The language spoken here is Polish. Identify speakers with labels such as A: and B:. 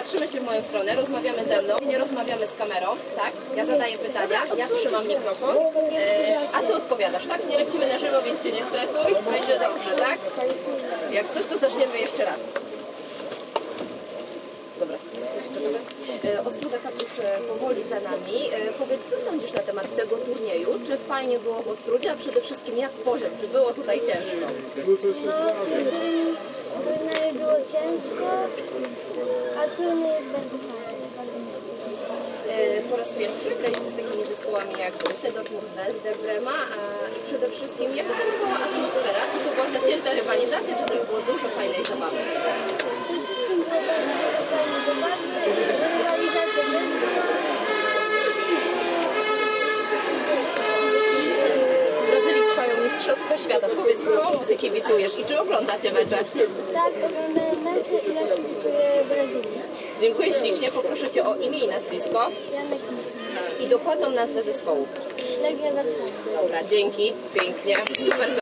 A: patrzymy się w moją stronę, rozmawiamy ze mną, nie rozmawiamy z kamerą, tak? Ja zadaję pytania, ja trzymam mikrofon, a ty odpowiadasz, tak? Nie lecimy na żywo, więc się nie stresuj, będzie dobrze, tak? Jak coś, to zaczniemy jeszcze raz. Dobra, jesteś gotowy? Ostruga Kapusz powoli za nami. Powiedz, co sądzisz na temat tego turnieju? Czy fajnie było w Ostrudzie, a przede wszystkim jak poziom? Czy było tutaj ciężko?
B: No, w turnieju było ciężko, a turniej jest bardzo fajny.
A: Po raz pierwszy graliście z takimi zespołami jak Borussia Dortmund, Werder Brema i przede wszystkim jaka panowała atmosfera? Czy to była zacięta rywalizacja, czy też było dużo fajnej zabawy?
B: Przede wszystkim było bardzo fajne zabawy, rywalizacja też.
A: W Brazylii trwają Mistrzostwa Świata. Powiedz, komu ty kibicujesz i czy oglądacie mecze?
B: Tak, oglądają mecze i ja kibicuję Brazylii.
A: Dziękuję ślicznie. Poproszę cię o imię i nazwisko
B: Janek
A: i dokładną nazwę zespołu.
B: Legia Warszawa.
A: Dobra, dzięki. Pięknie. Super.